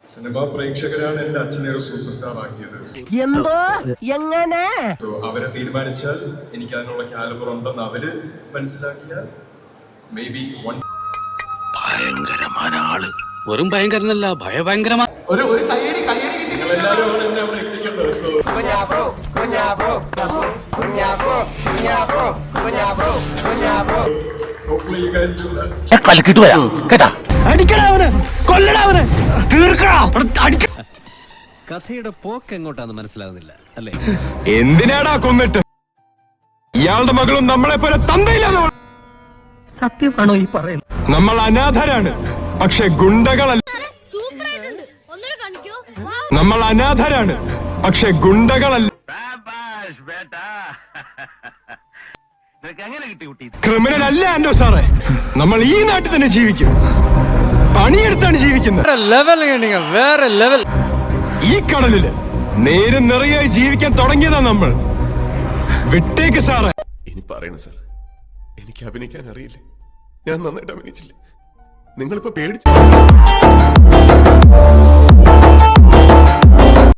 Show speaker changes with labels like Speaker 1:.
Speaker 1: Cinema പ്രേക്ഷകരാണ് എന്റെ അച്ഛനെ ഒരു സൂപ്പർ സ്റ്റാർ ആക്കിയത്.
Speaker 2: എന്തോ എങ്ങനെ
Speaker 1: അവരെ തീരുമാനിച്ചാൽ എനിക്ക് അതിനുള്ള കാലിബർ ഉണ്ടെന്ന് അവര് മനസ്സിലാക്കിയാൽ മേ ബി
Speaker 3: ഭയങ്കരമായ ആള്. വെറും ഭയങ്കരനല്ല, ഭയങ്കരമായ
Speaker 1: ഒരു കയ്യടി നിങ്ങളെല്ലാവരും ആണ് എന്നെ അവിടെ എത്തിക്കേണ്ടത്. So hopefully you guys do that.
Speaker 2: കളിക്കിട്ട് വരാം കേട്ടാ. അടിക്കടാവന്, കൊല്ലടാവന്, തീർക്കടാ.
Speaker 4: കഥയുടെ പോക്ക് എങ്ങോട്ടാന്ന് മനസ്സിലാകുന്നില്ല അല്ലേ?
Speaker 5: എന്തിനാടാ കൊന്നിട്ട്? ഇയാളുടെ മകളും നമ്മളെ പോലെ തന്തയില്ലാതെ.
Speaker 2: സത്യമാണോ ഈ പറയുന്നത്?
Speaker 5: നമ്മൾ അനാഥരാണ്, പക്ഷെ ഗുണ്ടകളല്ല. നമ്മൾ അനാഥരാണ്, പക്ഷെ ഗുണ്ടകളല്ല. ക്രിമിനൽ അല്ല ആൻഡോ സാറേ. നമ്മൾ ഈ നാട്ടിൽ തന്നെ ജീവിക്കും, പണിയെടുത്താണ് ജീവിക്കുന്നത്.
Speaker 4: വേറെ ലെവൽ.
Speaker 5: ഈ കടലില് നേരും നിറയായി ജീവിക്കാൻ തുടങ്ങിയതാ നമ്മൾ. വിട്ടേക്ക് സാറേ.
Speaker 6: ഇനി പറയണ സാർ, എനിക്ക് അഭിനയിക്കാൻ അറിയില്ല. ഞാൻ നന്നായിട്ട് അഭിനയിച്ചില്ല. നിങ്ങളിപ്പോ പേടിച്ചു.